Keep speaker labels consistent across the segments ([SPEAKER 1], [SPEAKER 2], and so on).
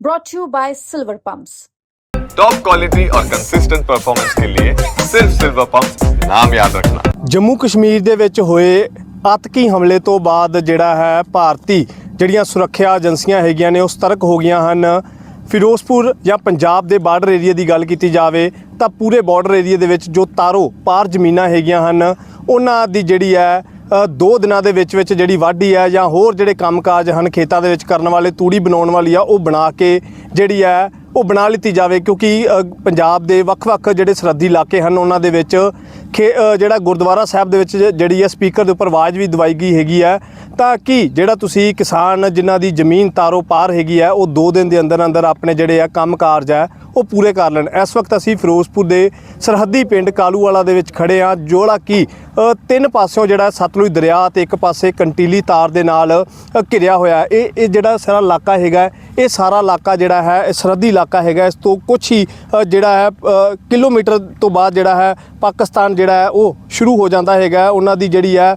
[SPEAKER 1] brought to you by Silver Pumps.
[SPEAKER 2] Top quality और consistent performance के लिए सिर्फ सिल्वर पंप्स नाम याद रखना।
[SPEAKER 3] ਜੰਮੂ ਕਸ਼ਮੀਰ ਦੇ ਵਿੱਚ ਹੋਏ ਆਤਕੀ ਹਮਲੇ ਤੋਂ ਬਾਅਦ ਜਿਹੜਾ ਹੈ ਭਾਰਤੀ ਜਿਹੜੀਆਂ ਸੁਰੱਖਿਆ ਏਜੰਸੀਆਂ ਹੈਗੀਆਂ ਨੇ ਉਹ ਸਤਰਕ ਹੋ ਗਈਆਂ ਹਨ। ਫਿਰੋਜ਼ਪੁਰ ਜਾਂ ਪੰਜਾਬ ਦੇ ਬਾਰਡਰ ਏਰੀਆ ਦੀ ਗੱਲ ਕੀਤੀ ਜਾਵੇ ਤਾਂ ਪੂਰੇ ਬਾਰਡਰ ਏਰੀਆ ਦੇ ਵਿੱਚ ਜੋ ਤਾਰੋ ਪਾਰ ਜ਼ਮੀਨਾਂ ਹੈਗੀਆਂ ਹਨ ਉਹਨਾਂ ਦੀ ਜਿਹੜੀ ਹੈ 2 ਦਿਨਾਂ ਦੇ ਵਿੱਚ ਜਿਹੜੀ ਵਾਢੀ ਹੈ ਜਾਂ ਹੋਰ ਜਿਹੜੇ ਕੰਮਕਾਜ ਹਨ ਖੇਤਾਂ ਦੇ ਵਿੱਚ ਕਰਨ ਵਾਲੇ ਤੂੜੀ ਬਣਾਉਣ ਵਾਲੀ ਆ ਉਹ ਬਣਾ ਕੇ ਜਿਹੜੀ ਹੈ ਉਹ ਬਣਾ ਲਿੱਤੀ ਜਾਵੇ, ਕਿਉਂਕਿ ਪੰਜਾਬ ਦੇ ਵੱਖ-ਵੱਖ ਜਿਹੜੇ ਸਰਹੱਦੀ ਇਲਾਕੇ ਹਨ ਉਹਨਾਂ ਦੇ ਵਿੱਚ ਜਿਹੜਾ ਗੁਰਦੁਆਰਾ ਸਾਹਿਬ ਦੇ ਵਿੱਚ ਜਿਹੜੀ ਹੈ ਸਪੀਕਰ ਦੇ ਉੱਪਰ ਆਵਾਜ਼ ਵੀ ਦਵਾਈ ਗਈ ਹੈਗੀ ਹੈ ਤਾਂ ਕਿ ਜਿਹੜਾ ਤੁਸੀਂ ਕਿਸਾਨ ਜਿਨ੍ਹਾਂ ਦੀ ਜ਼ਮੀਨ ਤਾਰੋ ਪਾਰ ਹੈਗੀ ਹੈ ਉਹ 2 ਦਿਨ ਦੇ ਅੰਦਰ ਆਪਣੇ ਜਿਹੜੇ ਆ ਕੰਮ ਕਾਰਜ ਹੈ ਉਹ ਪੂਰੇ ਕਰ ਲੈਣ। ਇਸ ਵਕਤ ਅਸੀਂ ਫਿਰੋਜ਼ਪੁਰ ਦੇ ਸਰਹੱਦੀ ਪਿੰਡ ਕਾਲੂਵਾਲਾ ਦੇ ਵਿੱਚ ਖੜੇ ਹਾਂ, ਜਿਹੜਾ ਕਿ 3 ਪਾਸਿਓਂ ਜਿਹੜਾ ਸਤਲੁਜ ਦਰਿਆ ਤੇ ਇੱਕ ਪਾਸੇ ਕੰਟੀਲੀ ਤਾਰ ਦੇ ਨਾਲ ਘਿਰਿਆ ਹੋਇਆ। ਇਹ ਜਿਹੜਾ ਸਾਰਾ ਇਲਾਕਾ ਹੈਗਾ ਇਹ ਸਾਰਾ ਇਲਾਕਾ ਜਿਹੜਾ ਹੈ ਸਰਹੱਦੀ ਇਲਾਕਾ ਹੈਗਾ। ਇਸ ਤੋਂ ਕੁਛ ਹੀ ਜਿਹੜਾ ਹੈ ਕਿਲੋਮੀਟਰ ਤੋਂ ਬਾਅਦ ਜਿਹੜਾ ਹੈ ਪਾਕਿਸਤਾਨ ਜਿਹੜਾ ਹੈ ਉਹ ਸ਼ੁਰੂ ਹੋ ਜਾਂਦਾ ਹੈਗਾ। ਉਹਨਾਂ ਦੀ ਜਿਹੜੀ ਹੈ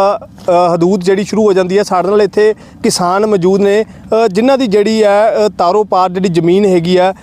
[SPEAKER 3] ਹਦੂਦ ਜਿਹੜੀ ਸ਼ੁਰੂ ਹੋ ਜਾਂਦੀ ਹੈ। ਸਾਡੇ ਨਾਲ ਇੱਥੇ ਕਿਸਾਨ ਮੌਜੂਦ ਨੇ ਜਿਨ੍ਹਾਂ ਦੀ ਜਿਹੜੀ ਹੈ ਤਾਰੋ ਪਾਰ ਜਿਹੜੀ ਜ਼ਮੀਨ ਹੈਗੀ ਹੈ।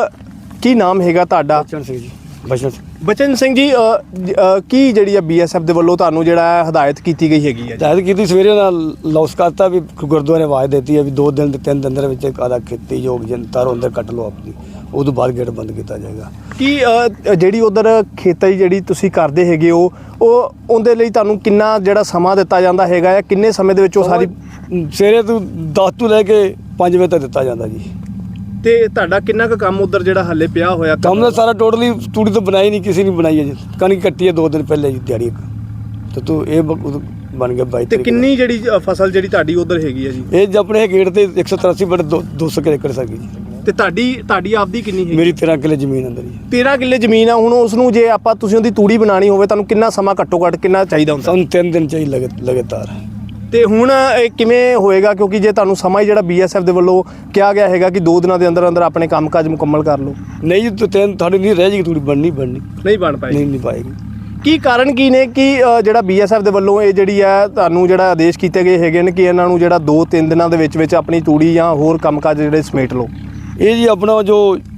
[SPEAKER 3] ਕੀ ਨਾਮ ਹੈਗਾ ਤੁਹਾਡਾ?
[SPEAKER 4] ਬਚਨ ਸਿੰਘ ਜੀ।
[SPEAKER 3] ਬਚਨ ਸਿੰਘ ਜੀ, ਕੀ ਜਿਹੜੀ ਹੈ BSF ਦੇ ਵੱਲੋਂ ਤੁਹਾਨੂੰ ਜਿਹੜਾ ਹੈ ਹਦਾਇਤ ਕੀਤੀ ਗਈ ਹੈਗੀ ਹੈ?
[SPEAKER 4] ਹਦਾਇਤ ਕੀਤੀ ਸਵੇਰੇ ਨਾਲ ਲੌਸ ਕਰਤਾ ਵੀ ਗੁਰਦੁਆਰੇ ਆਵਾਜ਼ ਦਿੱਤੀ ਹੈ ਵੀ 2 ਦਿਨ ਤੇ 3 ਦਿਨ ਦੇ ਵਿੱਚ ਆधा ਖੇਤੀ ਯੋਗ ਤਾਰੋ ਅੰਦਰ ਕੱਟ ਲਓ ਆਪਣੀ, ਉਹ ਤੋਂ ਬਾਅਦ ਗੇਟ ਬੰਦ ਕੀਤਾ ਜਾਏਗਾ।
[SPEAKER 3] ਕੀ ਜਿਹੜੀ ਉਧਰ ਖੇਤੀ ਜਿਹੜੀ ਤੁਸੀਂ ਕਰਦੇ ਹੈਗੇ ਹੋ ਉਹ ਉਹਦੇ ਲਈ ਤੁਹਾਨੂੰ ਕਿੰਨਾ ਜਿਹੜਾ ਸਮਾਂ ਦਿੱਤਾ ਜਾਂਦਾ ਹੈਗਾ? ਕਿੰਨੇ ਸਮੇਂ ਦੇ ਵਿੱਚ ਉਹ ਸਾਰੀ
[SPEAKER 4] ਸਵੇਰੇ ਤੋਂ 10 ਤੋਂ ਲੈ ਕੇ 5 ਵਜੇ ਤੱਕ ਦਿੱਤਾ ਜਾਂਦਾ ਜੀ।
[SPEAKER 3] ਤੇ ਤੁਹਾਡਾ ਕਿੰਨਾ ਕੁ ਕੰਮ ਉਧਰ ਜਿਹੜਾ ਹੱਲੇ ਪਿਆ ਹੋਇਆ?
[SPEAKER 4] ਕੰਮ ਦਾ ਸਾਰਾ ਟੋਟਲੀ ਤੂੜੀ ਤੋਂ ਬਣਾਈ ਨਹੀਂ, ਕਿਸੇ ਨੇ ਬਣਾਈ ਹੈ ਜੀ। ਕਣਕ ਕੱਟੀ ਹੈ 2 ਦਿਨ ਪਹਿਲੇ ਜੀ ਦਿਹਾੜੀ ਤੇ ਤੂੰ ਇਹ ਬਣ ਗਿਆ 22
[SPEAKER 3] ਤੇ ਕਿੰਨੀ ਜਿਹੜੀ ਫਸਲ ਜਿਹੜੀ ਤੁਹਾਡੀ ਉਧਰ ਹੈਗੀ ਹੈ ਜੀ?
[SPEAKER 4] ਇਹ ਆਪਣੇ ਗੇਟ ਤੇ 183 ਬਟ 200 ਏਕੜ ਸਾਗੀ ਜੀ।
[SPEAKER 3] ਤੇ ਤੁਹਾਡੀ ਆਪਦੀ ਕਿੰਨੀ ਹੈਗੀ?
[SPEAKER 4] ਮੇਰੀ 13 ਕਿੱਲੇ ਜ਼ਮੀਨ ਅੰਦਰ ਜੀ।
[SPEAKER 3] 13 ਕਿੱਲੇ ਜ਼ਮੀਨ ਆ। ਹੁਣ ਉਸ ਨੂੰ ਜੇ ਆਪਾਂ ਤੁਸੀਂ ਉਹਦੀ ਤੂੜੀ ਬਣਾਣੀ ਹੋਵੇ ਤੁਹਾਨੂੰ ਕਿੰਨਾ ਸਮਾਂ ਘੱਟੋ ਘੱਟ ਕਿੰਨਾ ਚਾਹੀਦਾ ਹੁੰਦਾ?
[SPEAKER 4] ਸਾਨੂੰ 3 ਦਿਨ ਚਾਹੀਦੇ ਲਗਾਤਾਰ।
[SPEAKER 3] ਤੇ ਹੁਣ ਇਹ ਕਿਵੇਂ ਹੋਏਗਾ? ਕਿਉਂਕਿ ਜੇ ਤੁਹਾਨੂੰ ਸਮਾਂ ਹੀ ਜਿਹੜਾ BSF ਦੇ ਵੱਲੋਂ ਕਿਹਾ ਗਿਆ ਹੈਗਾ ਕਿ 2 ਦਿਨਾਂ ਦੇ ਅੰਦਰ ਆਪਣੇ ਕੰਮਕਾਜ ਮੁਕੰਮਲ ਕਰ ਲਓ।
[SPEAKER 4] ਨਹੀਂ ਜੀ, ਤੁਹਾਡੀ ਨਹੀਂ ਰਹਿ ਜਾਏਗੀ ਤੂੜੀ ਬਣਨੀ
[SPEAKER 3] ਨਹੀਂ ਬਣ ਪਾਏਗੀ।
[SPEAKER 4] ਨਹੀਂ ਪਾਏਗੀ।
[SPEAKER 3] ਕੀ ਕਾਰਨ ਕੀ ਨੇ ਕਿ ਜਿਹੜਾ BSF ਦੇ ਵੱਲੋਂ ਇਹ ਜਿਹੜੀ ਹੈ ਤੁਹਾਨੂੰ ਜਿਹੜਾ ਆਦੇਸ਼ ਕੀਤੇ ਗਏ ਹੈਗੇ ਨੇ ਕਿ ਇਹਨਾਂ ਨੂੰ ਜਿਹੜਾ 2-3 ਦਿਨਾਂ ਦੇ ਵਿੱਚ ਆਪਣੀ ਤੂੜੀ ਜਾਂ ਹੋਰ ਕੰਮਕਾਜ ਜਿਹੜੇ ਸਮੇਟ ਲਓ?
[SPEAKER 4] ਇਹ ਜੀ ਆਪਣਾ ਜੋ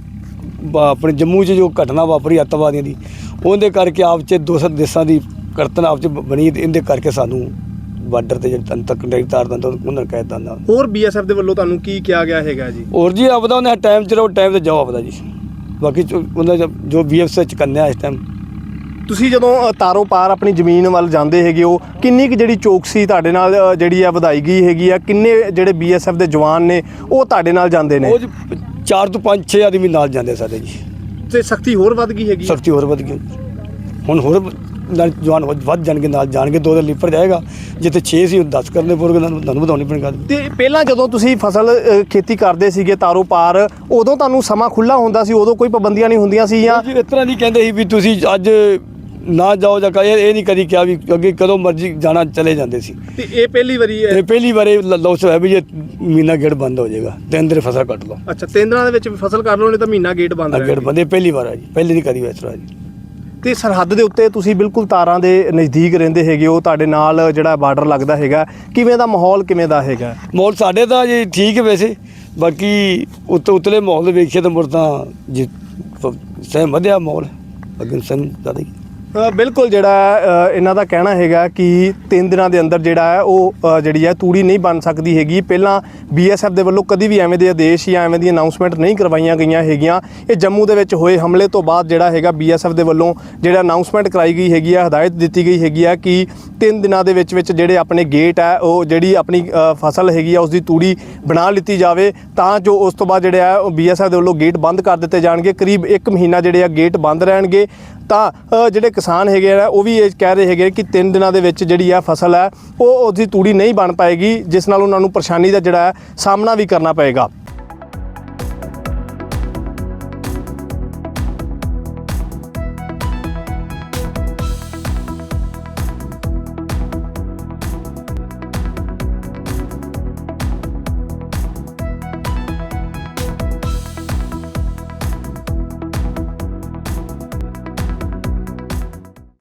[SPEAKER 4] ਆਪਣੇ ਜੰਮੂ 'ਚ ਜੋ ਘਟਨਾ ਵਾਪਰੀ ਅੱਤਵਾਦੀਆਂ ਦੀ, ਉਹਦੇ ਕਰਕੇ ਆਪ 'ਚ 2 ਦੇਸ਼ਾਂ ਦੀ ਕਰਤਨ ਆਪ 'ਚ ਬਣੀ, ਇਹਦੇ ਕਰਕੇ ਸਾਨੂੰ ਬਾਰਡਰ ਤੇ ਜਿਹੜੇ ਤੱਕ ਤਾਰ ਦਿੰਦਾ ਉਹਨਾਂ ਕਹਿ ਦਿੰਦਾ।
[SPEAKER 3] ਹੋਰ BSF ਦੇ ਵੱਲੋਂ ਤੁਹਾਨੂੰ ਕੀ ਕਿਹਾ ਗਿਆ ਹੈਗਾ ਜੀ?
[SPEAKER 4] ਹੋਰ ਜੀ ਆਪਦਾ ਉਹਨੇ ਟਾਈਮ 'ਚ ਰਹੋ, ਟਾਈਮ 'ਤੇ ਜਾਓ ਆਪਦਾ ਜੀ। ਬਾਕੀ ਉਹਨਾਂ ਜੋ BSF 'ਚ ਕਰਨਾ ਇਸ ਟਾਈਮ।
[SPEAKER 3] ਤੁਸੀਂ ਜਦੋਂ ਤਾਰੋ ਪਾਰ ਆਪਣੀ ਜ਼ਮੀਨ ਵੱਲ ਜਾਂਦੇ ਹੈਗੇ ਹੋ ਕਿੰਨੀ ਕੁ ਜਿਹੜੀ ਚੌਕਸੀ ਤੁਹਾਡੇ ਨਾਲ ਜਿਹੜੀ ਆ ਵਧਾਈ ਗਈ ਹੈਗੀ ਆ? ਕਿੰਨੇ ਜਿਹੜੇ BSF ਦੇ ਜਵਾਨ ਨੇ ਉਹ ਤੁਹਾਡੇ ਨਾਲ ਜਾਂਦੇ ਨੇ?
[SPEAKER 4] ਉਹ 4 ਤੋਂ 5-6 ਆਦਮੀ ਨਾਲ ਜਾਂਦੇ ਸਾਡੇ ਜੀ।
[SPEAKER 3] ਤੇ ਸਖਤੀ ਹੋਰ ਵੱਧ ਗਈ ਹੈਗੀ?
[SPEAKER 4] ਸਖਤੀ ਹੋਰ ਵੱਧ ਗਈ। ਹੁਣ ਹੋਰ ਜਵਾਨ ਵੱਧ ਜਾਣਗੇ, ਨਾਲ ਜਾਣਗੇ। 2 ਦਿਨ ਲੀਪਰ ਜਾਏਗਾ, ਜਿੱਥੇ 6 ਸੀ 10 ਕਰਨੇ ਪਊਗੇ, ਤੁਹਾਨੂੰ ਵਧਾਉਣੀ ਪੈਣੀ ਗੱਲ।
[SPEAKER 3] ਤੇ ਪਹਿਲਾਂ ਜਦੋਂ ਤੁਸੀਂ ਫਸਲ ਖੇਤੀ ਕਰਦੇ ਸੀਗੇ ਤਾਰੋ ਪਾਰ ਉਦੋਂ ਤੁਹਾਨੂੰ ਸਮਾਂ ਖੁੱਲ੍ਹਾ ਹੁੰਦਾ ਸੀ? ਉਦੋਂ ਕੋਈ ਪਾਬੰਦੀਆਂ ਨਹੀਂ ਹੁੰਦੀਆਂ ਸੀ? ਜਾਂ
[SPEAKER 4] ਇਸ ਤਰ੍ਹਾਂ ਨਹੀਂ ਕਹਿੰਦੇ ਸੀ ਵੀ ਤੁਸੀਂ ਅੱਜ ਨਾ ਜਾਓ ਜਾਂ ਇਹ ਨਹੀਂ ਕਦੀ ਕਿਹਾ ਵੀ ਅੱਗੇ ਕਦੋਂ ਮਰਜ਼ੀ ਜਾਣਾ ਚਲੇ ਜਾਂਦੇ ਸੀ।
[SPEAKER 3] ਤੇ ਇਹ ਪਹਿਲੀ ਵਾਰੀ ਹੈ?
[SPEAKER 4] ਇਹ ਪਹਿਲੀ ਵਾਰੀ ਲੌਸ ਹੋਇਆ ਵੀ ਇਹ ਮਹੀਨਾ ਗੇਟ ਬੰਦ ਹੋ ਜਾਏਗਾ, 3 ਦਿਨ ਫਸਲ ਕੱਟ ਲਓ।
[SPEAKER 3] ਅੱਛਾ, 3 ਦਿਨਾਂ ਦੇ ਵਿੱਚ ਫਸਲ ਕਰ ਲਓ, ਨਹੀਂ ਤਾਂ ਮਹੀਨਾ ਗੇਟ ਬੰਦ
[SPEAKER 4] ਗੇਟ ਬੰਦ। ਇਹ ਪਹਿਲੀ ਵਾਰ ਹੈ ਜੀ, ਪਹਿਲੇ ਨਹੀਂ ਕਦੀ ਇਸ ਤਰ੍ਹਾਂ ਜੀ।
[SPEAKER 3] ਤੇ ਸਰਹੱਦ ਦੇ ਉੱਤੇ ਤੁਸੀਂ ਬਿਲਕੁਲ ਤਾਰਾਂ ਦੇ ਨਜ਼ਦੀਕ ਰਹਿੰਦੇ ਹੈਗੇ ਹੋ, ਤੁਹਾਡੇ ਨਾਲ ਜਿਹੜਾ ਬਾਰਡਰ ਲੱਗਦਾ ਹੈਗਾ, ਕਿਵੇਂ ਦਾ ਮਾਹੌਲ ਕਿਵੇਂ ਦਾ ਹੈਗਾ?
[SPEAKER 4] ਮਾਹੌਲ ਸਾਡੇ ਤਾਂ ਜੀ ਠੀਕ ਹੈ ਵੈਸੇ, ਬਾਕੀ ਉਤਲੇ ਮਾਹੌਲ ਵੇਖੀਏ ਤਾਂ ਮੁੜ ਤਾਂ ਜੀ ਸਹਿਮ ਵਧਿਆ ਮਾਹੌਲ ਅੱਗੇ ਸਹਿਮ ਜ਼ਿਆਦਾ ਹੀ।
[SPEAKER 3] ਬਿਲਕੁਲ ਜਿਹੜਾ ਇਹਨਾਂ ਦਾ ਕਹਿਣਾ ਹੈਗਾ ਕਿ 3 ਦਿਨਾਂ ਦੇ ਅੰਦਰ ਜਿਹੜਾ ਹੈ ਉਹ ਜਿਹੜੀ ਹੈ ਤੂੜੀ ਨਹੀਂ ਬਣ ਸਕਦੀ ਹੈਗੀ। ਪਹਿਲਾਂ BSF ਦੇ ਵੱਲੋਂ ਕਦੀ ਵੀ ਐਵੇਂ ਦੇ ਆਦੇਸ਼ ਜਾਂ ਐਵੇਂ ਦੀ ਅਨਾਉਂਸਮੈਂਟ ਨਹੀਂ ਕਰਵਾਈਆਂ ਗਈਆਂ ਹੈਗੀਆਂ। ਇਹ ਜੰਮੂ ਦੇ ਵਿੱਚ ਹੋਏ ਹਮਲੇ ਤੋਂ ਬਾਅਦ ਜਿਹੜਾ ਹੈਗਾ BSF ਦੇ ਵੱਲੋਂ ਜਿਹੜਾ ਅਨਾਉਂਸਮੈਂਟ ਕਰਾਈ ਗਈ ਹੈਗੀ ਆ, ਹਦਾਇਤ ਦਿੱਤੀ ਗਈ ਹੈਗੀ ਆ ਕਿ 3 ਦਿਨਾਂ ਦੇ ਵਿੱਚ ਜਿਹੜੇ ਆਪਣੇ ਗੇਟ ਹੈ ਉਹ ਜਿਹੜੀ ਆਪਣੀ ਫਸਲ ਹੈਗੀ ਆ ਉਸ ਦੀ ਤੂੜੀ ਬਣਾ ਲਿੱਤੀ ਜਾਵੇ, ਤਾਂ ਜੋ ਉਸ ਤੋਂ ਬਾਅਦ ਜਿਹੜਾ ਹੈ ਉਹ BSF ਦੇ ਵੱਲੋਂ ਗੇਟ ਬੰਦ ਕਰ ਦਿੱਤੇ ਜਾਣਗੇ। ਕਰੀਬ 1 ਮਹੀਨਾ ਜਿਹੜੇ ਆ ਗੇਟ ਬੰਦ ਰਹਿਣਗੇ। ਤਾਂ ਜਿਹੜੇ ਕਿਸਾਨ ਹੈਗੇ ਆ ਉਹ ਵੀ ਇਹ ਕਹਿ ਰਹੇ ਹੈਗੇ ਕਿ 3 ਦਿਨਾਂ ਦੇ ਵਿੱਚ ਜਿਹੜੀ ਆ ਫਸਲ ਹੈ ਉਹ ਉਹਦੀ ਤੂੜੀ ਨਹੀਂ ਬਣ ਪਾਏਗੀ, ਜਿਸ ਨਾਲ ਉਹਨਾਂ ਨੂੰ ਪਰੇਸ਼ਾਨੀ ਦਾ ਜਿਹੜਾ ਸਾਹਮਣਾ ਵੀ ਕਰਨਾ ਪਏਗਾ।